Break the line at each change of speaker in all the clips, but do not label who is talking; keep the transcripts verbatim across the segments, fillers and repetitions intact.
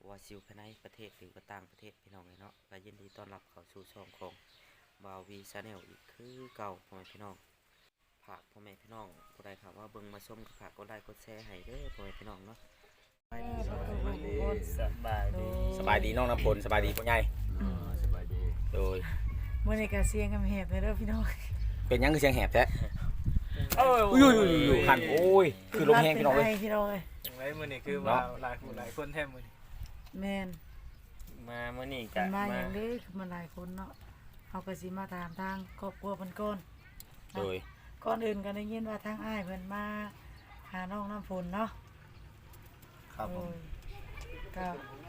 ว่าซิวภายในประเทศหรือว่าต่างประเทศพี่น้องเลยเนาะก็ยินดีต้อนรับเข้าสู่ช่องของบาวีชาแนลอีกคือเก่าพ่อแม่พี่น้องฝากพ่อแม่พี่น้องผู้ใดครับว่าเบิ่งมาชมก็ฝากกดไลค์กดแชร์ให้เด้อพ่อแม่พี่น้องเนาะสบายดีสบายดี
สบายดี
สบายดีน้องน้ำพลสบายดีพ่อใหญ่
อ่าสบายดี
โดย
เมื่อในการเสียงกำแหบเลยเด้อพี่น้อง
เป็นหยังคือเสียงแหบแท้
โอ้ย
อุ้ยอยู่หันโอ้ยคือลมแห้งพี่น้องเลย
ป็ไพี่น้องเลย
อย่างไรมื้อนี้คือมาหลายผู้หลายคนแท้มื้อนี้
แมน
มามื้อนี้
เป็
ก็
นมาอ
มา
ย่างนี้คือมาหลายคนเนาะเอากระสิมาถามทางครอบครัวเพิ่นก่อน
โดย
ก่อนอื่นก็ได้ยินว่าทางอ้ายเพิ่นมาหาน้องน้ำฝนเนาะ
ครับผม
โอ้ยก็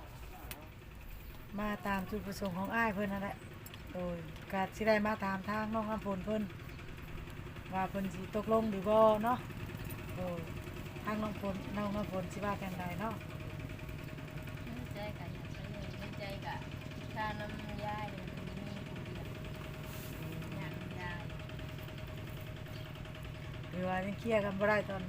มาตามจุดประสงค์ของอ้ายเพิ่นนั่นแหละโดยก็สิได้มาถามทางน้องน้ำฝนเพิ่นว่าเพิ่นสิตกลงหรือบ่เนาะโอ้ยทางน้องฝนน้องน้ำฝนสิว่าจังไดเนาะ
ไม่ใจกันอย่างไรเลยไม่ใจกับชาน้ำยายเลยมีผู้เดียวอย่างยาย
หรือว่ายังเคลียร์กันบ่ได้ตอนนี้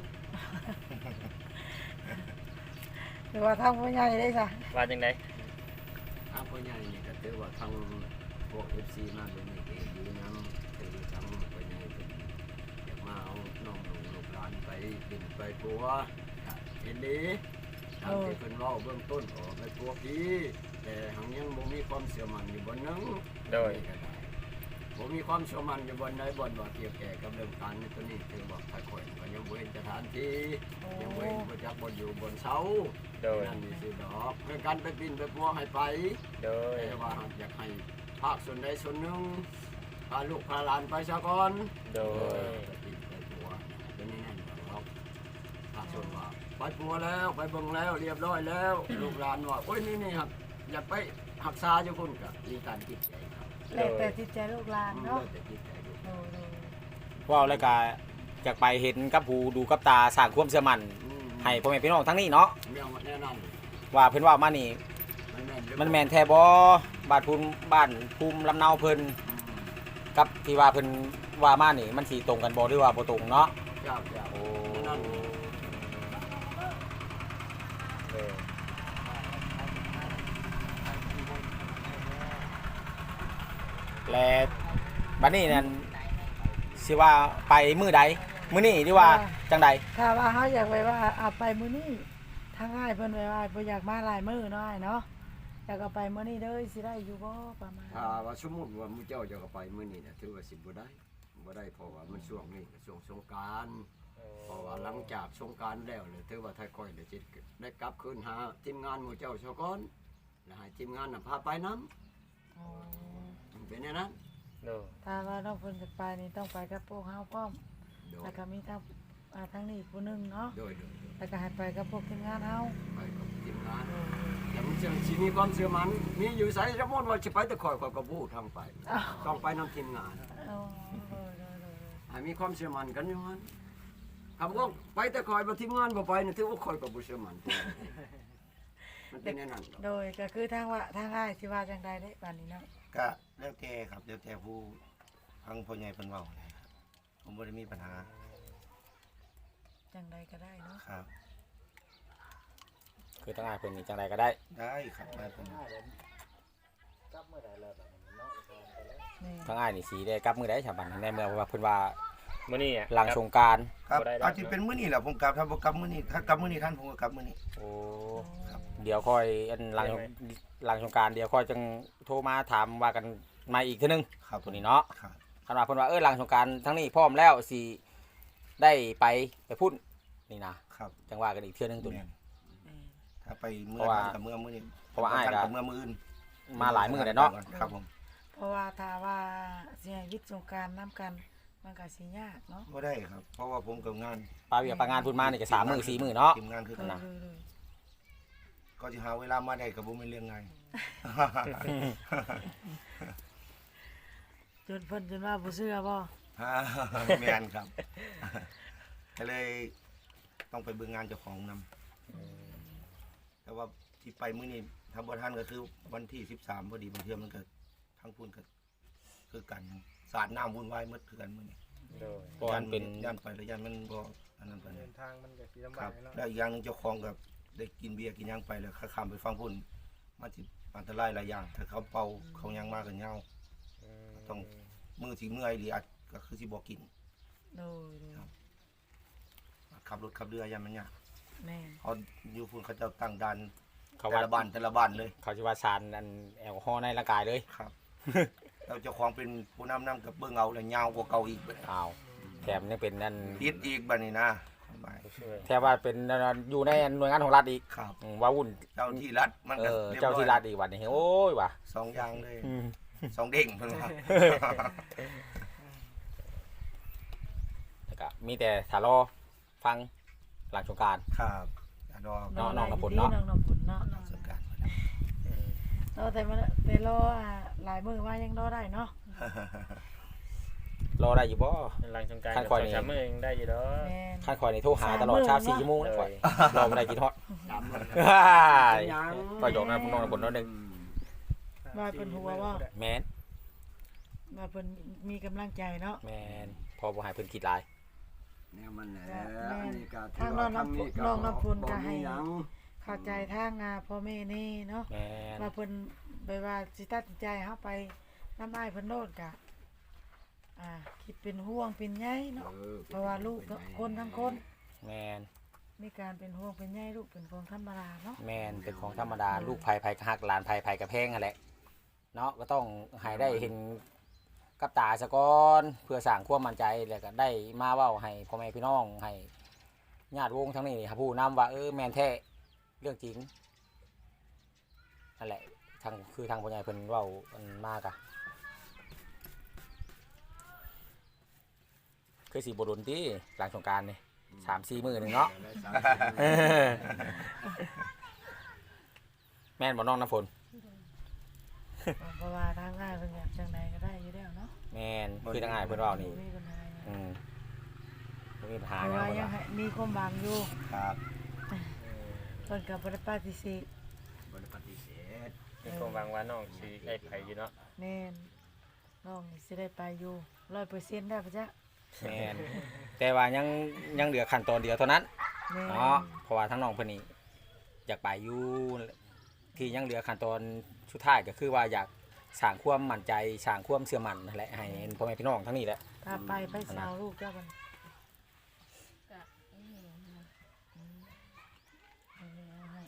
หรือว่าทางผู้ใหญ่ได้จ้ะ
ว่าจังได๋
ทางพ่อใหญ่นี่ก็ถือว่าทางพวก เอฟ ซี มาเป็นนี่ก็อยู่นำถือทางพ่อใหญ่เป็นอยากมาเอาน้องหนูลูกหลานไปกินไปปัวเห็นดีทางที่เพิ่นเว้าเบื้องต้นออกไปปัวพี่แต่หังยังบ่มีความเชื่อมั่นอยู่บนนึง
โดย
ก็ได้บ่มีความเชื่อมั่นอยู่บนใดบนว่าเกี่ยวแก่กับเรื่องการนี้ตัวนี้ถือว่าค่อยๆก็ยังบ่เห็นสถานที่ยังบ่เห็นบ่จักบ่อยู่บนเสา
โดย
นั่นนี่สิดอกเรื่องการไปปินไปปัวให้ไป
โดย
แต่ว่าอยากให้ภาคส่วนใดส่วนหนึ่งพาลูกพาหลานไปซะก่อน
โดย
ไปปินไปปัวเป็นนี่นั่นครับภาคส่วนว่าไปปัวแล้วไปเบิ่งแล้วเรียบร้อยแล้ว ลูกหลานว่าโอ้ยนี่นี่ครับอยากไปหักษาอยู่คุณกับมีการจิตใจครับ
แล้วแต่จิตใจลูกหลาน
อืม
เนาะ
แต่จิตใจลูก
โอ้โห
ว่าวแล้วก็อยากไปเห็นกับหูดูกับตาสร้างความเชื่อมั่น
อืม
ให้พ่อแม่พี่น้องทั้งนี้เนาะ
แนวแน่นอน
ว่าเพิ่นว่ามานี่
มันแม่นหรือ
มันแม่นแท้บ่บ้านภูมิบ้านภูมิลำเนาเพิ่น
อืม
กับที่ว่าเพิ่นว่ามานี่มันสิตรงกันบ่หรือว่าบ่ตรงเนาะ
เจ้าเจ้า
โอ้
แน่นอน
โดย
และบัดนี้นั่นสิว่าไปมื้อใดมื้อนี้หรือว่าจังใด
ถ้าว่าเขาอยากไปว่าเอาไปมื้อนี้ทางอ้ายเพิ่นไว้ว่าบ่อยากมาหลายมื้อเนาะอ้ายเนาะอยากเอาไปมื้อนี้เด้อสิได้อยู่บ่ประมาณ
ถ้าว่าสมมุติว่ามื้อเจ้าจะก็ไปมื้อนี้น่ะถือว่าสิบ่ได้บ่ได้เพราะว่ามันช่วงนี้ก็ช่วงสงกรานต์ เพราะว่าหลังจากสงกรารแล้วเลยถือว่าไทยก้อยเดี๋ยวจะได้กลับคืนหาทีมงานหมู่เจ้าชาวก้อนแล้วให้ทีมงานน่ะพาไปน้
อ๋อ
ำเป็นอย่างนั้น
โดย
ถ้าว่าน้องเพิ่นจะไปนี่ต้องไปกับพวกเฮาพร้อม
โดย
แล้วก็มีทางอ่าทางนี้อีกผู้หนึงเนาะ
โดยโดยโดย
แล้วก็ให้ไปกับพวกทีมงานเฮา
ไปกับทีมงานแต่มันจะสิมีความเชื่อมันมีอยู่ไสสมมติว่าจะไปแต่คอยคอยกับผู้ทางไป
อ้าว
ต้องไปนำทีมงาน
เอาเออเออเออ
ให้มีความเชื่อมันกันอยู่นั้นคำว่าไปแต่คอยบ่ทีมงานบ่ไปนี่ถือว่าคอยกับบ่เชื่อมันมันเป็นอย่างนั้น
โดยก็คือทางว่าทางอ้ายสิว่าจังใดเด้บัดนี้เนาะ
ก็แล้วแต่ครับแล้วแต่ผู้ฟังพ่อใหญ่เพิ่นเว้าเลยครับผมบ่ได้มีปัญหา
จังใดก็ได้เนาะ
ครับ
คือทั้งอ้ายเพิ่นนี่จังใดก็ได้
ได้ครับได้เพิ่น
นี่
ทั้งอ้ายนี่สิได้กลับมื้อใดฉบับในเมื่อว่าเพิ่นว่า
มื้อนี้อะ
หลังสงกรานต์
ครับ
บ่ได้รับ
อาจสิเป็นมื้อนี้แหละผมกลับถ้าบ่กลับมื้อนี้ถ้ากลับมื้อนี้ท่านผมก็กลับมื้อนี้
โอ้
ครับ
เดี๋ยวค่อยอันหลังหลังสงกรานต์เดี๋ยวค่อยจังโทรมาถามว่ากันมาอีกเทื่อนึง
ครับ
ตัวนี้เนาะ
ครับ
คันว่าเพิ่นว่าเออหลังสงกรานต์ทั้งนี้พร้อมแล้วสิได้ไปไปพุ่นนี่นะครับ จังว่ากันอีกเทื่อนึงตัวนี้
แม่น
นี่
ถ้าไปมื้อ
เพราะว่า
นั้นกับมื้อมื้อนี้
เพราะว่าอ้ายก็
กับมื้อมื้ออื่น
มาหลายมื้อแล้วเนาะ
ครับผม
เพราะว่าถ้าว่าสิให้วิทย์สงกรานต์นํกันมันก็สิยากเนาะ
บ่ได้ครับ เพราะว่าผมกับงาน
ปลาเวียปลางานพุ่นมานี่ก็สามมื้อสี่มื้อเนาะ
ทีมงานคือ
เอ
กัน
อ
นะ
เออ
ก็สิหาเวลามาได้ก็บ่แม่นเรื่องง่าย
จนเพิ่นจนว่าบ่เชื่อบ่
แม่นครับก็เลยต้องไปเบิ่งงานเจ้าของนำแต่ว่าที่ไปมื้อนี้ถ้าบ่ทันก็คือวันที่สิบสามพอดีบางเทื่อมันก็ทั้งพุ่นก็คือกันสาดน้ำวุ่นวายหมดคือกันมื้อนี้
โดย
เพราะมันเป็น
ย่านไปแล้วย่านมันบ่อันนั้นปาน
เดิ
นั้น
นทางมันก็สิลำ
ครับ
ากเนาะ
แล้วอีกอย่างหนึงเจ้าของกับได้กินเบียร์กินหยังไปแล้วข้าข้ามไปฟังพุ่นมันสิอันตรายหลายอย่างถ้าเขาเป่าเขาหยังมากกันเหงาต้องมือสิเมื่อยหรืออาจก็คือสิบ่กิน
โดยโดย
ขับรถขับเรือยังมันยาก
แม่น
เขาอยู่พุ่นเขาเจะตั้งด่าน
เขา
แต่
ว่า
ละบ้านแต่ละบ้านเลย
เขาสิว่าสารอันแอลกอฮอล์ในร่างกายเลย
ครับ เราเจ้าของเป็นผู้นำนำกับเบิ่งเอาแล้วยาวกว่าเก่าอีกบัดนี้
อ้าวแถมยังเป็นนั่น
ผิดอีกบัดนี้นะความหมาย
ช่วย
แถมว่าเป็นอยู่ในหน่วยงานของรัฐอีก
ครับ
อืมว่าวุ่น
เจ้าที่รัฐมัน
เอ
ก็
อ
รียบ
เจ้า
ร้อย
ที่รัฐอีกวันนี้โอ้ยว่ะ
สองอย่างเลย
อืม
สองเด้งเพิ่นว่า
แล้วก็มีแต่ถ้ารอฟังหลังสงกรานต์
ครับอย่ารอ
เนาะน้องน้ำฝน
ดี
เนาะ
น้องน้ำฝนเนาะ
สงกรานต์
เนาะแต่มันแต่รออ่าหลายมื้อว่ายังรอได้เนาะ
รอได้อยู่บ่
หลังสงกราร
ขั้น
กับ
คอย
สอง
นี่
สามมื้อยังได้อยู่ดอก
แม่น
ขั้นคอยนี่โทรหาตลอดเช้าสี่ชั่วโมงนะคอยรอบ่ได้กินฮอด
สามมื้อ
ยัง ก็ยกนะน้องน้ำฝนน้อยหนึง
ว่าเพิ่นหัวว่า
แม่น
ว่าเพิ่นมีกำลังใจเนาะ
แม่นพอบ่ให้เพิ่นคิดหลาย
แนวมันแหละ
แม่น
อันนี้ก็
ทางน้องน้ำฝนน้องน้ำฝนก็ให้
บ่มีหยัง
เข้าใจทางอ่าพ่อแม่นี่เนาะ
แม่น
ว่าเพิ่นไปว่าสิตัดสินใจเฮาไปน้ำอ้ายเพิ่นโลดกะอ่าคิดเป็นห่วงเป็นใยเนาะ
ออ
เพราะว่าลูกทั้งคนทั้งคน
แม่น
มีการเป็นห่วงเป็นใยลูกเป็นของธรรมดาเนาะ
แม่นเป็นของธรรมดาลูกไผไผก็ฮักหลานไผไผก็แพงนั่นแหละเนาะก็ต้องให้ได้เห็นกับตาซะก่อนเพื่อสร้างความมั่นใจแล้วก็ได้มาเว้าให้พ่อแม่พี่น้องให้ญาติวงทั้งนี้ครับผู้นำว่าเออแม่นแท้เรื่องจริงนั่นแหละทางคือทางพ่อใหญ่เพิ่นเว้ามันมากอะคือสิบ่โดนติหลังสงกรานต์นี่สามสี่มื้อหนึงเนาะ แม่นบ่น้องน้ำฝน
เพราะว่าทางอ้ายเพิ่นอยากจังใดก็ได้อยู่แล้วเนาะ
แม่นคือทางอ้ายเพิ่นเว้านี่
มีปัญหาหยัง
อืมบ่มีปัญหา
เพ
ห
ราะ
ยัง
ว่า
เพิ่นว่า
ยังให้มีความหวังอยู่
ครับ
เพิ่นก็บ่ได้ปฏิเสธ
บ่ได้ปฏิเสธ
มีความหวังว่าน้องสิได้ไปอยู่เนาะ
แม่นน้องสิได้ไปอยู่ ร้อยเปอร์เซ็นต์ ได้ปะจ๊ะ
แม่นแต่ว่ายังยังเหลือขั้นตอนเดียวเท่านั้น
แม่น
เนาะเพราะว่าทั้งน้องเพิ่นนี่อยากไปอยู่ที่ยังเหลือขั้นตอนสุดท้ายก็คือว่าอยากสร้างความมั่นใจสร้างความเชื่อมั่นนั่นแหละให้พ่อแม่พี่น้องทั้งนี้แหละ
ถ้าไปไปสาวลูกเจ้าบัด
ก็อีหยังนะ
เอาเลยเอาให้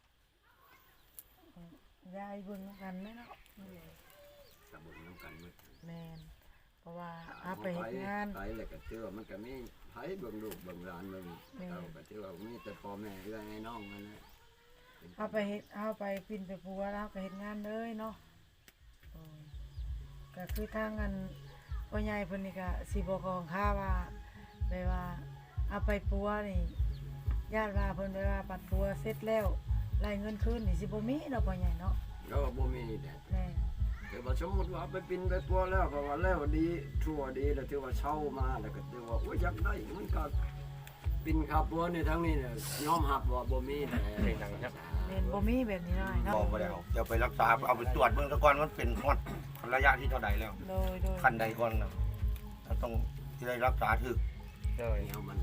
ยายเบิ่งนำกันแม่เนาะ
สบุนน้ำกันหมด
แม่นเพราะว่าเอาไปเฮ็ดงาน
ไปแล้วก็เชื่อมันก็มีไผเบิ่งลูกเบิ่งหลานเบิ่ง
แม่
เราก็เชื่อว่ามีแต่พ่อแม่เอื้อไอ้น้องมันนะ
เอาไปเฮ็ดเอาไปปิ่นไปปัวแล้วก็เฮ็ดงานเลยเนาะโอ้ยก็คือทางอันพ่อใหญ่เพิ่นนี่ก็สิบ่ของค่าว่าไปว่าเอาไปปัวนี่ญาติว่าเพิ่นไปว่าปัดปัวเสร็จแล้วรายเงินคืนนี่สิบ่มีเนาะพ่อใหญ่เนาะ
ก็บ่มีแหละ
แม่
แต่ว่าสมมุติว่าไปปินไปปัวแล้วเพราะว่าแล้วดีทั่วดีแล้วถือว่าเช่ามาแล้วก็ถือว่าโอ้ยอยากได้มันก็ปินขับปัวในทั้งนี้เนี่ยยอมรับว่าบ่มีแหละ
เป็นหนังครับ
แม่นบ่มีแบบนี้เนาะเนาะ
บอกบ่ได้เอาเดี๋ยวไปรักษาเอาไปตรวจเบิ่งซะก่อนมันเป็นฮอดระยะที่เท่าใดแล้ว
โดยโดย
ขั้นใดก่อนนะเราต้องที่ได้รักษาถึก
โดย
แนวมัน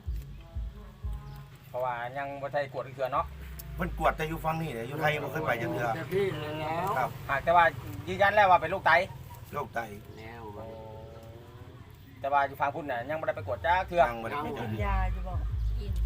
เพราะว่ายังบ่ได้กวดเทื่อเนาะ
เพิ่นกวดแต่อยู่ฝั่งนี้เนี่ยอยู่ไทยบ่เคยไปจังเทื่อ
แต่พี่เลยแล้ว
ครับ
หากแต่ว่ายืนยันแล้วว่าเป็นโรคไต
โรคไต
แนวมัน
แต่ว่าอยู่ฝั่งพุ่นน่ะยังบ่ได้ไปกวดจ้าเทื่อ
ยังบ่ได้ไป
กิ
จัง
น
เทื่อย
าอยู่บ่
กิน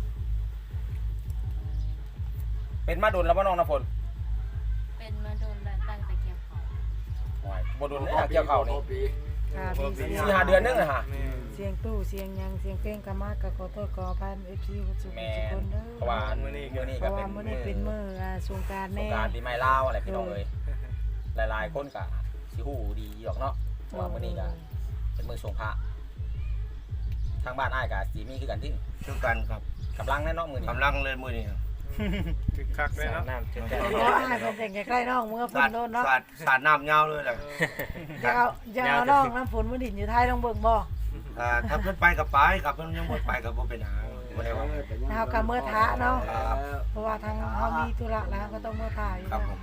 เป็นมาโดนแล้วบ่น้องน้ำฝน
เป็นมาโดนแล้วตั้งแต่เกี่ยวเขา
โอ้ยบ่โดนแล้วเกี่ยวเข้านี่
ค่ะมีเสียง
สี่ห้าเดือนนึงอะฮะ
เสียงตู้เสียงหยังเสียงเพลงกะมากก็ขอโทษขออภัย เอฟ ซี ทุก
แม่
ทุกคนเด้อ
เพราะว่ามื้อนี้มื้อนี้
เพ
ก็
ราะ
เป็
ว่าน มื้อนี้เป็นมื้ออ่าสงกรานต์
สง
แน่
กรานต์ปีใหม่ลาวอะไรพี่น้องเอ้ยหลายๆคนก็สิฮู้ดีดอกเนาะเพราะว่ามื้อนี้ก็เป็นมื้อสงพระทางบ้านอ้ายก็สิมีคือกันที่
คือกันครับ
กำลังแน่เนาะมื้อนี้
กำลังเลยมื้อนี้
คึกคักเลยเนาะน้ำจุดใจ
เพราะอ้ายเพิ่นแต่งใกล้ๆน้องเมื่อฝ
สาน ด
โดนเนาะ
สาดสาดน้ำยาวเลยแหละ
อย่าเอาอย่าเอาน้องน้ำฝนมาดินอยู่ท้ายต้องเบิ่งบ่
อ่าถ้าเพิ่นไปกับไปครับเพิ่นยังบ่ไปก็บ่เป็นหาบ่ได้ว่า
เฮาก็เมื่อท้าเนาะ
ครับ
เพราะว่าทางเฮามีธุระแล้วก็ต้องเมื่อท้าอยู่
ครับ
แล้ว
ผม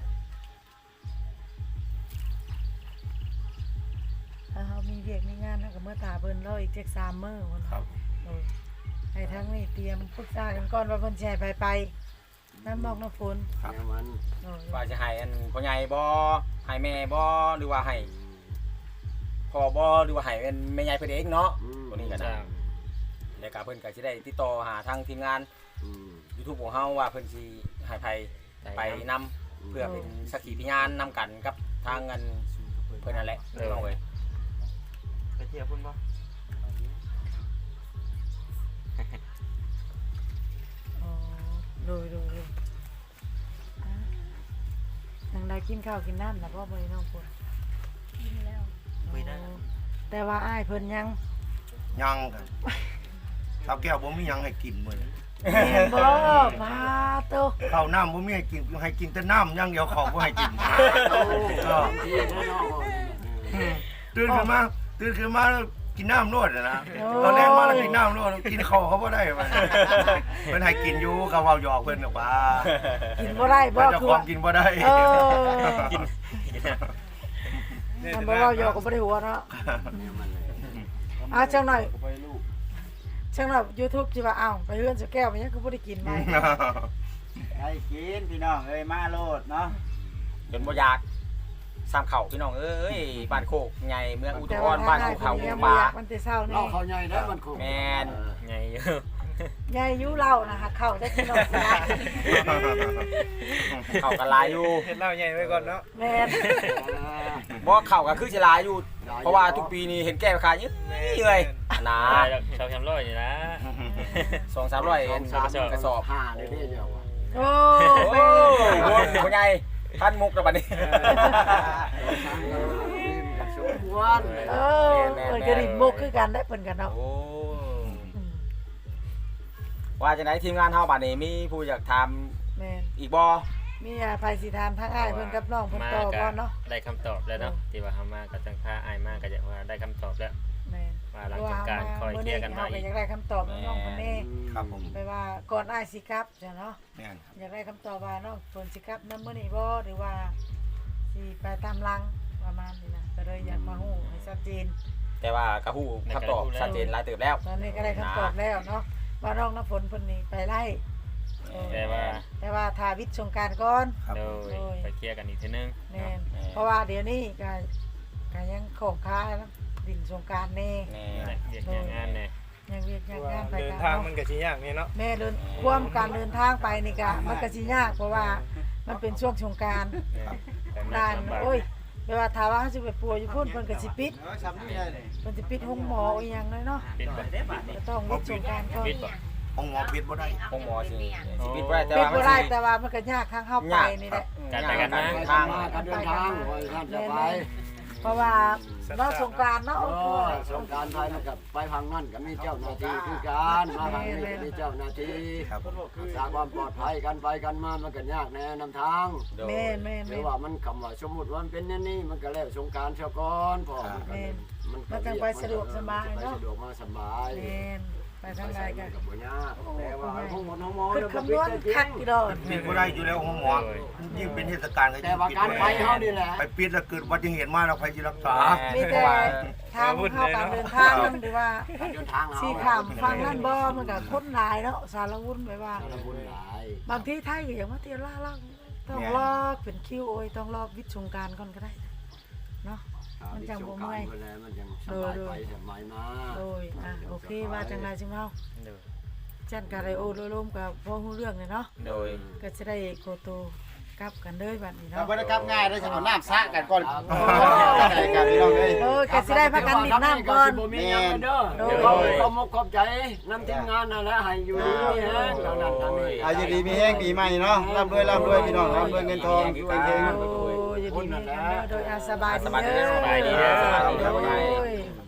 ถ้าเฮามีเวียกมีงานเฮาก็เมื่อท้าเพิ่นรออีกจักสามมื้อพุ่น
ครับ
เออให้ทั้งนี้เตรียมปรึกษากันก่อนว่าเพิ่นสิให้ไปไปน้ำนอกน้ำฝน
แนวมัน
โดย
ว่าจะให้อันพ่อใหญ่บ่ให้แม่บ่หรือว่าให้พ่อบ่หรือว่าให้เป็นแม่ใหญ่เพิ่นเองเนาะ
อืม
ตัวนี้ก็ได้แล้วก็เพิ่นก็สิได้ติดต่อหาทางทีมงาน
อืม
YouTube ของเฮาว่าเพิ่นสิให้ไผไปนำเพื่อเป็นสักขีพยานนำกันกับทางเงินเพิ่นนั่นแหละพี่น้องเอ้ย
ไปเที่ยวพุ่นบ่
อ๋อโดยโดยโดยอ่ะทางใดกินข้าวกินน้ำแล้วบ่บ่ได้น้องฝน
กินแล้ว
คุยได้
อ๋อแต่ว่าอ้ายเพิ่นยัง
ยังกันสาวแก้วบ่มีหยังให้กินมื้อนี้
แม่นบ่มาโต
ข้าวน้ำบ่มีให้กินให้กินแต่น้ำอย่างเดียวข้าวบ่ให้กิน
โอ้ที่แน่นอน
ตื่นขึ้นมาตื่นขึ้นมาแล้วกินน้ำโลดอะนะตอนแรกมาแล้วกินน้ำโลดกินข้าวเขาบ่ได้มันเพิ่นให้กินอยู่เขาเว้าหยอกเพิ่นน่ะว่า
กินบ่ได้บ่
เพิ่นเจะ
คือ
ควา
ว่าม
กินบ่ได้
เออ
กิน
มันบ่เว้าหยอกก็บ่ได้หัวเนาะอ่ะจังหน่อยจังหน่อย YouTube สิว่าอ้าวไปเฮือนสแก้วมันยังคือบ่ได้กินไหม
ได้กินพี่น้องเอ้ยมาโลดเนาะ
จนบ่อยากสามเข่าพี่น้องเอ้ยบ้านโคกใหญ่เมืองอุทุ
แต่
พ
ว่าร
บ้าน
ทาง
ภู
อ้าย
เขา
เพิ่นยัง
ป่า
บ่อยากมันแต่เช้านี่
เราเขาใหญ่ได้มันคง
แม่น
ไงอยู่
ยายอยู่เล่านะคะเข้าได้พี่น้องสิได้
เข่ากันหลายอยู่
เฮ็ดเหล้าใหญ่ไว้ก่อนเนาะ
แม่น
บ่เข่าก็คือสิหลายอยู่ เพราะว่าทุกปีนี้เห็นแก้วขายเยอะเลยนะ
ได้แล้วชาวแคมป์ร้อยนี่นะ
สองสามร้อยเอ็น
สาม
กระสอบ
ห้าได้เด้เดียว
โอ้
โอ้
แม่
โหพ่อใหญ่ท่านมุกแล้วบัดนี้
สมควร
เออเพิ่นก็ริมมุกคือกันได้เพิ่นกันเนาะ
โอ้
อืม
ว่าจังได๋ทีมงานเฮาบัดนี้มีผู้อยากถาม
แม่น
อีกบ่
มีอาภัยสิถามทางอ้ายเพิ่นกับน้องเพิ่น
มา
ต่อ
ก็
ก่อนเนาะ
ได้คำตอบแล้วเนาะที่ว่าเฮามาก็จังพาอ้ายมาก็จะว่าได้คำตอบแล้ว
แม่น
ว่าหลังจากการคอยเคลียร์กันมา
เฮา
อีก
อยากได้คำตอบน้องๆเพิ่นแน่
ครับผม
ไปว่าก่อนอ้ายสิกลับจ้ะเนาะ
แม่นครับ
อยากได้คำตอบว่าน้องเพิ่นสิกลับนำมื้อนี้บ่หรือว่าสิไปตามหลังประมาณนี้นะก็เลยอยากมาฮู้ให้ชัดเจน
แต่ว่าก็ฮู้คำตอบชัดเจนหลายเติบแล้ว
ตอนนี้ก็ได้คำตอบแล้วเนาะว่าน้องน้ำฝนเพิ่นนี่ไปไล่เออ
แต่ว่า
แต่ว่าทาวิทย์สงกรารก่อน
ครับ
โด
ผม
ยไปเคลียร์กันอีกทีนึง
แม่นเพราะว่าเดี๋ยวนี้ก็ก็ยังของค้าแล้วดินสงกรารแน่
แน่
เรียกอย่างงานเนี่ย
ยังเวียกยังงานไป
เดิน
กัน
ทาง
เนาะ
มันก็สิยากนี่เนาะ
แม่เดินความการเดินทางไปนี่ก็มันก็สิยากเพราะว่ามันเป็นช่วงสงกราร
แต่มัน
ด่าน
ลำบาก
โอ้ยแปลว่าถ้าว่าเฮาสิไปปัวอยู่พุ่นเพิ่นก็สิปิด
เออซ้ำนี่ได้เลย
เพิ่นสิปิดห้องหมออีหยังเลยเนาะ
ปิดบ่
ก็ต้องวิทย์สงกรารก่อน
ปิดบ่
ห้องหมอปิดบ่ได้
ห้องหมอสิสิปิดบ่ได้แต่
ปิด
ว่ามั
บ่
น
ได้
สิ
แต่ว่ามันก็ยากทางเข้าไปนี่แหละ
การไปกันมา
ทาง
มาการเดินทางโอ้ยท่านจะไป
เพราะว่าเนาะสงกรารเนาะ
โอ้ยสงการไทยมันกับไปพังนั่นก็มีเจ้าหน้าที่คือการมาทางนี้ก็มีเจ้าหน้าที่
ครับผม
รักษาความปลอดภัยกันไปกันมามันก็ยากแน่นำทาง
โดย
แม่นแม่น
หรื
แม่
อน ว่ามันคำว่าสมมุติว่ามันเป็นแน่นี่มันก็แล้วสงการเช้าก่อนพอมันก็
แม่น
มัน
มันจังไปสะดวกสบายเนาะ
ไปสะดวกมาสบาย
แม่นไปทางใดกัน
กับบ่ยากแต่ว่าห้องหมดห้องหมอ
คือคำนวณคักกี่ดอก
ปิดบ่ได้อยู่แล้วห้องหมอยิ่งเป็นเทศกาลก็
แต่
ยิ่ง
ว่า
ปิด
การ
บ่
ไป
ได้
เฮานี่แหละ
ไปปิดแล้วเกิดอุบัติเหตุมาแล้วใครจะรักษา
มีแต่ทางเข้าการเดินทางนั่นหรือว่า
การเดินทางเฮา
สีขามฟังนั่นบ่มันก็คนหลายเนาะสารวุ่นไปว่า
ละบุญหลาย
บางทีไทยก็อย่างว่าเตียวล่าล่าต้องรอเป็นคิวโอ้ยต้องรอวิทย์สงกรารก่อนก็ได้เนาะ มันจังบ่เมื่อย
มันจังสบายไปสบายมา
โดยอ่ะโอเคว่าจังไรจังเฮา
โดย
จันกะไรโอโลลมกับพ่อฮู้เรื่องเลยเนาะ
โดย
ก็จะได้โกโตกลับกันเลยบัดนี้
เรา
เนาะ
บ่ได้กลับง่ายได้จะเอาน้ำซะกันก่อนได้กันพี่น้องเอ้ย
เออก็สิได้พากันดินน้ำก่อน
แม่นเด้อเดี๋ยวเขาเขามกขอบใจนำทีมงานนั่นแหละให้อยู่ดีมีแฮงเท่านั้นทางนี้
อายุดีมีแห้งปีใหม่เนาะร่ำรวยร่ำรวยพี่น้องร่ำรวยเงินทองเก่ง
โอ้ยอยู่ดีมีกันเด้อโดยอาสบายดี
สบายดี
เด้อ
สบายดีเด้อสบายดีเด้อ
โอ้ย